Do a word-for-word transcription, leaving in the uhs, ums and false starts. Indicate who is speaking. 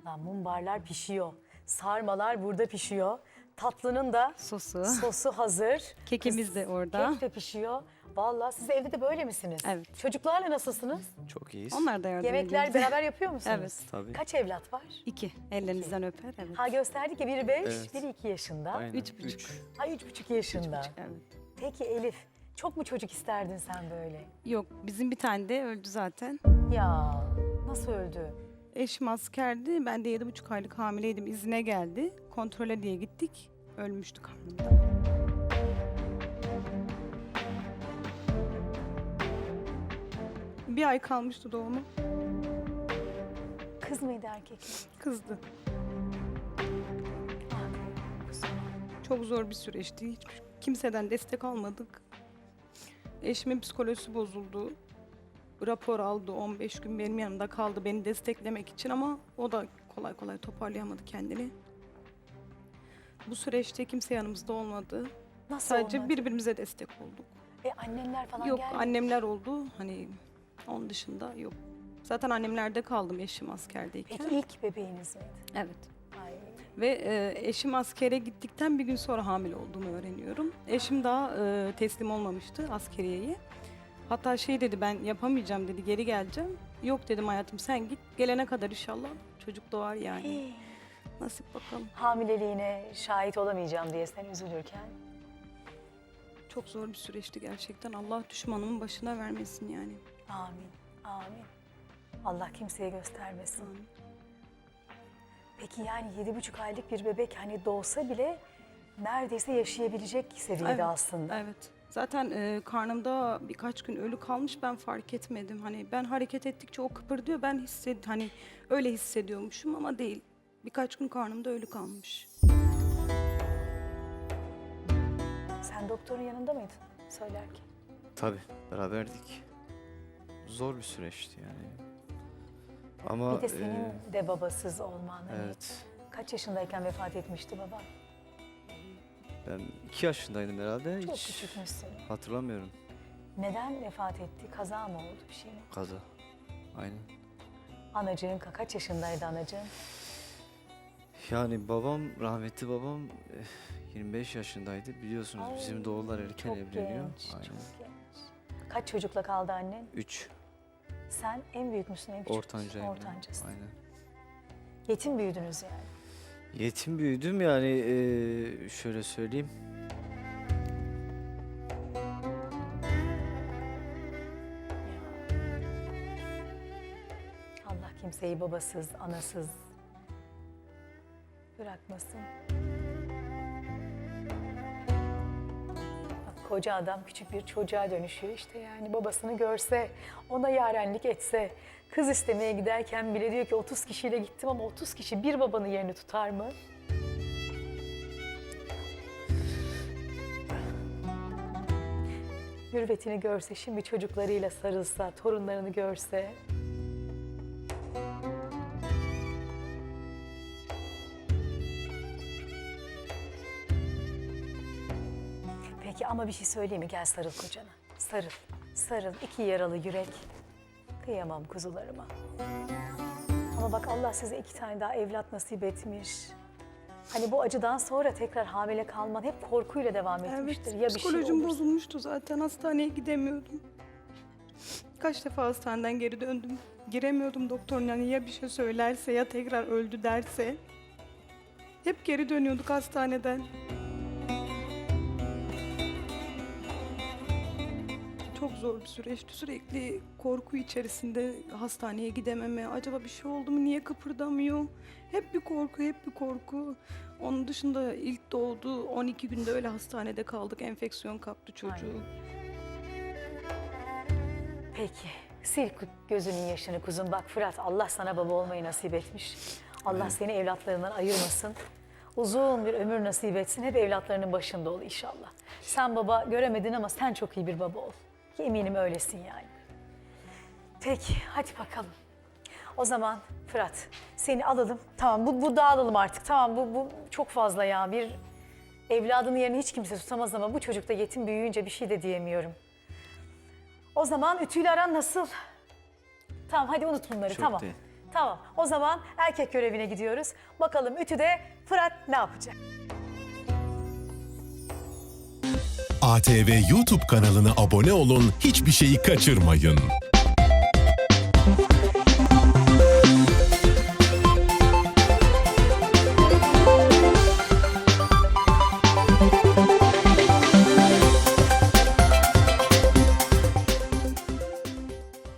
Speaker 1: Lan mumbarlar pişiyor. Sarmalar burada pişiyor. Tatlının da
Speaker 2: Sosu.
Speaker 1: sosu hazır.
Speaker 2: Kekimiz de orada.
Speaker 1: Kek de pişiyor. Vallahi siz evde de böyle misiniz?
Speaker 2: Evet.
Speaker 1: Çocuklarla nasılsınız?
Speaker 3: Çok iyiyiz.
Speaker 2: Onlar da yardım
Speaker 1: Yemekler
Speaker 2: ediyor.
Speaker 1: beraber yapıyor musunuz?
Speaker 2: Evet.
Speaker 3: Tabii.
Speaker 1: Kaç evlat var?
Speaker 2: İki. Ellerinizden öper. Evet.
Speaker 1: Ha gösterdik ya biri beş,
Speaker 3: Evet.
Speaker 1: biri iki yaşında.
Speaker 3: Aynen.
Speaker 2: Üç buçuk.
Speaker 3: Üç.
Speaker 1: Ha üç buçuk yaşında.
Speaker 2: Evet.
Speaker 1: Peki Elif, çok mu çocuk isterdin sen böyle?
Speaker 2: Yok, bizim bir tane de öldü zaten.
Speaker 1: Ya nasıl öldü?
Speaker 2: Eşim askerdi. Ben de yedi buçuk aylık hamileydim. İzine geldi. Kontrole diye gittik. Ölmüştü karnımda. Bir ay kalmıştı doğumu.
Speaker 1: Kız mıydı erkek mi?
Speaker 2: Kızdı.
Speaker 1: Ah, kuzum.
Speaker 2: Çok zor bir süreçti. Hiç kimseden destek almadık. Eşimin psikolojisi bozuldu. Rapor aldı. on beş gün benim yanımda kaldı beni desteklemek için ama o da kolay kolay toparlayamadı kendini. Bu süreçte kimse yanımızda olmadı.
Speaker 1: Nasıl
Speaker 2: Sadece
Speaker 1: olmadı?
Speaker 2: birbirimize destek olduk.
Speaker 1: E annenler falan
Speaker 2: Yok,
Speaker 1: gelmedi.
Speaker 2: annemler oldu. Hani onun dışında yok. Zaten annemlerde kaldım eşim askerdeyken.
Speaker 1: Peki ilk bebeğiniz miydi?
Speaker 2: Evet.
Speaker 1: Ay.
Speaker 2: Ve e, eşim askere gittikten bir gün sonra hamile olduğumu öğreniyorum. Eşim daha e, teslim olmamıştı askeriyeye. Hatta şey dedi, ben yapamayacağım dedi, geri geleceğim. Yok dedim hayatım, sen git, gelene kadar inşallah çocuk doğar yani.
Speaker 1: Hii.
Speaker 2: Nasip bakalım.
Speaker 1: Hamileliğine şahit olamayacağım diye sen üzülürken.
Speaker 2: Çok zor bir süreçti gerçekten. Allah düşmanımın başına vermesin yani.
Speaker 1: Amin, amin. Allah kimseye göstermesin.
Speaker 2: Amin.
Speaker 1: Peki yani yedi buçuk aylık bir bebek hani doğsa bile neredeyse yaşayabilecek seviyede
Speaker 2: Evet,
Speaker 1: aslında.
Speaker 2: Evet. Zaten e, karnımda birkaç gün ölü kalmış, ben fark etmedim. Hani ben hareket ettikçe o kıpırdıyor, ben hissed hani öyle hissediyormuşum ama değil. Birkaç gün karnımda ölü kalmış.
Speaker 1: Sen doktorun yanında mıydın söylerken?
Speaker 3: Tabii beraberdik. Zor bir süreçti yani. Ama
Speaker 1: Bir de senin
Speaker 3: e,
Speaker 1: de babasız olman. Hani
Speaker 3: evet.
Speaker 1: kaç yaşındayken vefat etmişti baba?
Speaker 3: Ben iki yaşındaydım herhalde.
Speaker 1: Çok
Speaker 3: Hiç
Speaker 1: küçükmüşsün.
Speaker 3: hatırlamıyorum.
Speaker 1: Neden vefat etti? Kaza mı oldu bir şey mi?
Speaker 3: Kaza. Aynen.
Speaker 1: Anacığın ka- kaç yaşındaydı anacığın?
Speaker 3: Yani babam, rahmetli babam eh, yirmi beş yaşındaydı. Biliyorsunuz
Speaker 1: Ay,
Speaker 3: bizim doğullar erken
Speaker 1: Çok
Speaker 3: evleniyor.
Speaker 1: genç,
Speaker 3: Aynen.
Speaker 1: çok genç. Kaç çocukla kaldı annen?
Speaker 3: Üç.
Speaker 1: Sen en büyük müsün, en küçük müsün?
Speaker 3: Ortancayım. ben.
Speaker 1: Ortancasın.
Speaker 3: Aynen.
Speaker 1: Yetim büyüdünüz yani.
Speaker 3: Yetim büyüdüm yani eh, şöyle söyleyeyim.
Speaker 1: Allah kimseyi babasız, anasız bırakmasın. Bak, koca adam küçük bir çocuğa dönüşüyor işte yani babasını görse, ona yarenlik etse, kız istemeye giderken bile diyor ki otuz kişiyle gittim ama otuz kişi bir babanın yerini tutar mı? Mürvetini görse, şimdi çocuklarıyla sarılsa, torunlarını görse. Peki ama bir şey söyleyeyim mi? Gel sarıl kocana. Sarıl, sarıl. İki yaralı yürek. Kıyamam kuzularıma. Ama bak Allah size iki tane daha evlat nasip etmiş. Hani bu acıdan sonra tekrar hamile kalman hep korkuyla devam etmiştir.
Speaker 2: Evet,
Speaker 1: Ya bir şey
Speaker 2: psikolojim
Speaker 1: olursa.
Speaker 2: bozulmuştu zaten. Hastaneye gidemiyordum. Kaç defa hastaneden geri döndüm. Giremiyordum doktorun, yani ya bir şey söylerse ya tekrar öldü derse. Hep geri dönüyorduk hastaneden. Çok zor bir süreçti. Sürekli korku içerisinde hastaneye gidememe. Acaba bir şey oldu mu? Niye kıpırdamıyor? Hep bir korku, hep bir korku. Onun dışında ilk doğdu. on iki günde öyle hastanede kaldık. Enfeksiyon kaptı çocuğu.
Speaker 1: Peki, sil gözünün yaşını kuzum. Bak Fırat, Allah sana baba olmayı nasip etmiş. Allah
Speaker 3: Evet.
Speaker 1: seni evlatlarından ayırmasın. Uzun bir ömür nasip etsin. Hep evlatlarının başında ol inşallah. Sen baba göremedin ama sen çok iyi bir baba ol. Ki eminim öylesin yani. Peki, hadi bakalım. O zaman Fırat, seni alalım. Tamam, bu, bu dağılalım artık. Tamam, bu, bu çok fazla ya. Bir evladının yerini hiç kimse tutamaz ama bu çocuk da yetim büyüyünce bir şey de diyemiyorum. O zaman ütüyle aran nasıl? Tamam, hadi unut bunları,
Speaker 3: Çok
Speaker 1: tamam.
Speaker 3: değil.
Speaker 1: Tamam. O zaman erkek görevine gidiyoruz. Bakalım ütüde Fırat ne yapacak?
Speaker 4: A T V YouTube kanalına abone olun, hiçbir şeyi kaçırmayın.